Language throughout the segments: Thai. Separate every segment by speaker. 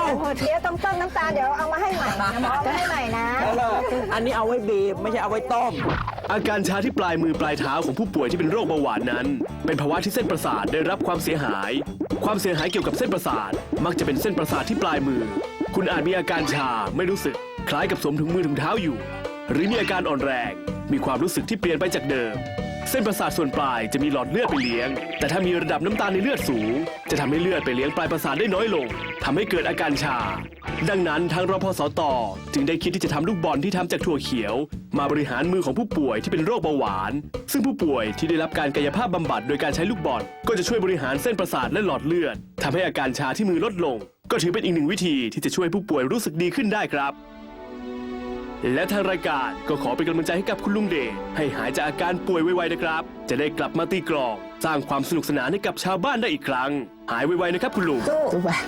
Speaker 1: เดี๋ยวต้มน้ำตาลเดี๋ยวเอามาให้ใหม่นะหมอเอามาให้ใหม่นะ
Speaker 2: อันนี้เอาไว้บีบไม่ใช่เอาไว้ต้ม
Speaker 3: อาการชาที่ปลายมือปลายเท้าของผู้ป่วยที่เป็นโรคเบาหวานนั้น เป็นภาวะที่เส้นประสาทได้รับความเสียหาย ความเสียหายเกี่ยวกับเส้นประสาท มักจะเป็นเส้นประสาทที่ปลายมือ คุณอาจมีอาการชาไม่รู้สึก คล้ายกับสวมถุงมือถุงเท้าอยู่ หรือมีอาการอ่อนแรง มีความรู้สึกที่เปลี่ยนไปจากเดิม เส้นประสาทส่วนปลายจะมีหลอดเลือดไปเลี้ยง แต่ถ้ามีระดับน้ำตาลในเลือดสูง จะทำให้เลือดไปเลี้ยงปลายประสาทได้น้อยลงทำให้เกิดอาการชา ดังนั้นทางรพสตจึงได้คิดที่จะทำลูกบอลที่ทำจากถั่วเขียว มาบริหารมือของผู้ป่วยที่เป็นโรคเบาหวาน ซึ่งผู้ป่วยที่ได้รับการกายภาพบำบัดโดยการใช้ลูกบอลก็จะช่วยบริหารเส้นประสาทและหลอดเลือดทำให้อาการชาที่มือลดลง ก็ถือเป็นอีกหนึ่งวิธีที่จะช่วยผู้ป่วยรู้สึกดีขึ้นได้ครับ และทางรายการก็ขอเป็นกำลังใจให้กับคุณลุงเดชให้หายจากอาการป่วยไวๆนะครับ จะได้กลับมาตีกลองสร้างความสนุกสนานให้กับชาวบ้านได้อีกครั้ง หายไวๆนะครับคุณลุง
Speaker 1: สู้ไป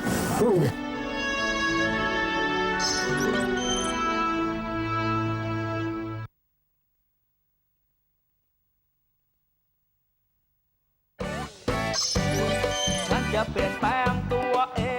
Speaker 2: ฉันจะเปลี่ยนแปลงตัวเอง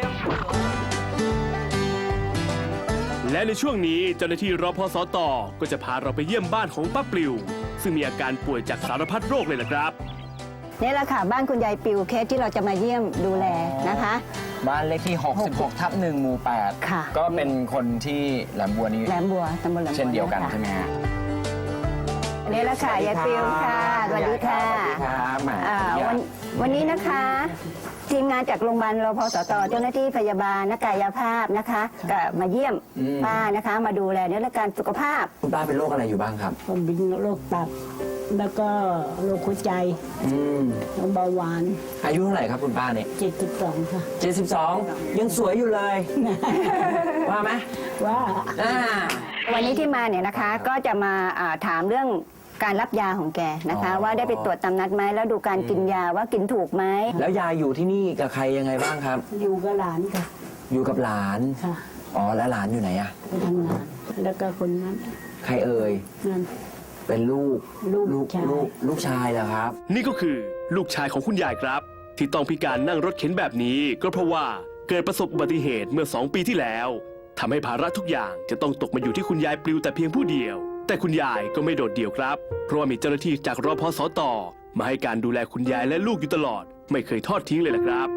Speaker 3: และในช่วงนี้เจ้าหน้าที่รพสตก็จะพาเราไปเยี่ยมบ้านของป้าปลิว ซึ่งมีอาการป่วยจากสารพัดโรคเลยล่ะครับ
Speaker 1: นี่แหละค่ะบ้านคุณยายปิวเคสที่เราจะมาเยี่ยมดูแลนะคะ
Speaker 4: บ้านเลขที่ 66/1 หมู่
Speaker 1: ค่ะ
Speaker 4: 8 ก็เป็นคนที่แหลมบัวนี้
Speaker 1: แหลมบัวตำบลแหลมบัว
Speaker 4: เช่นเดียวกัน
Speaker 1: ค่ะ
Speaker 4: ใช่ไหมฮะ
Speaker 1: นี่แหละค่ะยายปิวค่ะสวัสดีค่ะ
Speaker 4: สวัสดีครับแหม
Speaker 1: วันนี้นะคะ ทีมงานจากโรงพยาบาลรพสตเจ้าหน้าที่พยาบาลนักกายภาพนะคะก็มาเยี่ยมป้านะคะ มาดูแลในเรื่องการสุขภาพ
Speaker 4: คุณป้าเป็นโรคอะไรอยู่บ้างครับ
Speaker 5: ผมเป็นโรคตับ แล้วก็โรคหัวใจ
Speaker 4: อืม
Speaker 5: เบาหวาน
Speaker 4: อายุเท่าไหร่ครับคุณป้าเนี่ย
Speaker 5: 72 ค่ะ
Speaker 4: 72 ยังสวยอยู่เลย ว่าไหม
Speaker 5: ว่า
Speaker 4: อ่า
Speaker 1: วันนี้ที่มาเนี่ยนะคะก็จะมาถามเรื่องการรับยาของแกนะคะ ว่าได้ไปตรวจตามนัดไหมแล้วดูการกินยาว่ากินถูกไหม
Speaker 4: แล้วยายอยู่ที่นี่กับใครยังไงบ้างครับ
Speaker 5: อยู่กับหลานค่ะ
Speaker 4: อยู่กับหลาน
Speaker 5: ค่ะ
Speaker 4: อ๋อแล้วหลานอยู่ไหนอะ
Speaker 5: ไปทำงาน แล้วก็คนนั้น
Speaker 4: ใครเอ่ย
Speaker 5: นั่น
Speaker 4: เป็นลูก
Speaker 5: ลูกชาย
Speaker 4: ลูกชายเหรอครับ
Speaker 3: นี่ก็คือลูกชายของคุณยายครับ ที่ต้องพิการนั่งรถเข็นแบบนี้ ก็เพราะว่าเกิดประสบอุบัติเหตุเมื่อ 2 ปีที่แล้วทำให้ภาระทุกอย่างจะต้องตกมาอยู่ที่คุณยายปลิวแต่เพียงผู้เดียว แต่คุณยายก็ไม่โดดเดี่ยวครับ เพราะว่ามีเจ้าหน้าที่จากรพสตมาให้การดูแลคุณยายและลูกอยู่ตลอด ไม่เคยทอดทิ้งเลยล่ะครับ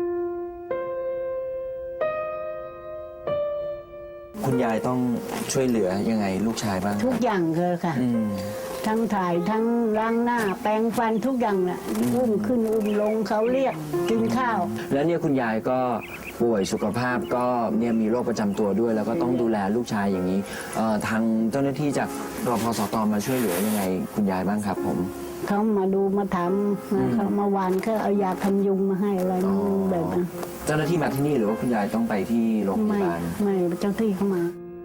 Speaker 4: คุณยายต้องช่วยเหลือยังไงลูกชายบ้าง
Speaker 5: ทุกอย่างเลยค่ะ
Speaker 4: อืม
Speaker 5: ทั้งถ่ายทั้งล้างหน้า แปรงฟันทุกอย่างน่ะอุ้มขึ้นอุ้มลงเขาเรียกกินข้าว
Speaker 4: แล้วเนี่ยคุณยายก็ป่วยสุขภาพก็เนี่ยมีโรคประจำตัวด้วย แล้วก็ต้องดูแลลูกชายอย่างนี้ทางเจ้าหน้าที่จากรพสตมาช่วยเหลือยังไงคุณยายบ้างครับผม
Speaker 5: เขามาดูมาถามเขามาวานเขาเอายากันยุงมาให้อะไรแบบนั้น
Speaker 4: เจ้าหน้าที่มาที่นี่หรือว่าคุณยายต้องไปที่โรงพ
Speaker 5: ไม่
Speaker 4: ยาบาล
Speaker 5: ไม่เจ้าที่เข้ามา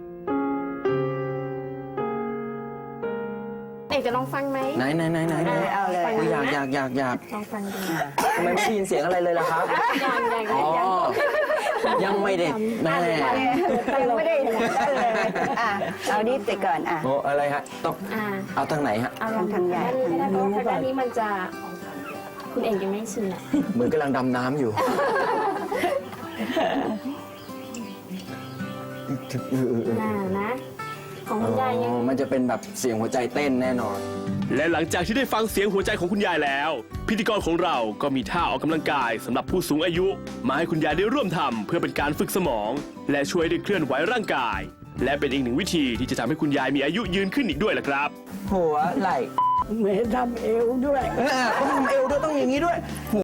Speaker 6: เอกจะลองฟังไหม
Speaker 4: ไหน
Speaker 1: เอาเลย
Speaker 4: โอ้ยอยาก
Speaker 6: ลองฟังดู
Speaker 4: ทำไมไม่ได้ยินเสียงอะไรเลยล่ะครับอ๋อยังไม่ได้แม่
Speaker 1: ยังไม่ได้เลยเอานี่ติดก่อน
Speaker 4: โอ้อะไรฮะต้อง
Speaker 6: อ่า
Speaker 4: เอาทางไหนฮะ
Speaker 6: เอาลอง
Speaker 1: ทางใหญ่
Speaker 6: ด้านนี้เพราะว่าทางด้านนี้มันจะ คุณเอกยังไม่ชินอ่ะ
Speaker 4: เหมือนกำลังดำน้ำอยู่
Speaker 6: นะ ของคุณยายยัง
Speaker 4: มันจะเป็นแบบเสียงหัวใจเต้นแน่นอน
Speaker 3: และหลังจากที่ได้ฟังเสียงหัวใจของคุณยายแล้ว พิธีกรของเราก็มีท่าออกกำลังกายสำหรับผู้สูงอายุ มาให้คุณยายได้ร่วมทำเพื่อเป็นการฝึกสมอง และช่วยได้เคลื่อนไหวร่างกาย และเป็นอีกหนึ่งวิธีที่จะทำให้คุณยายมีอายุยืนขึ้นอีกด้วยล่ะครับ
Speaker 4: หัวไหล่
Speaker 5: เหมือนทำเอวด้วย
Speaker 4: ต้องทำเอวด้วยต้องอย่างนี้ด้วย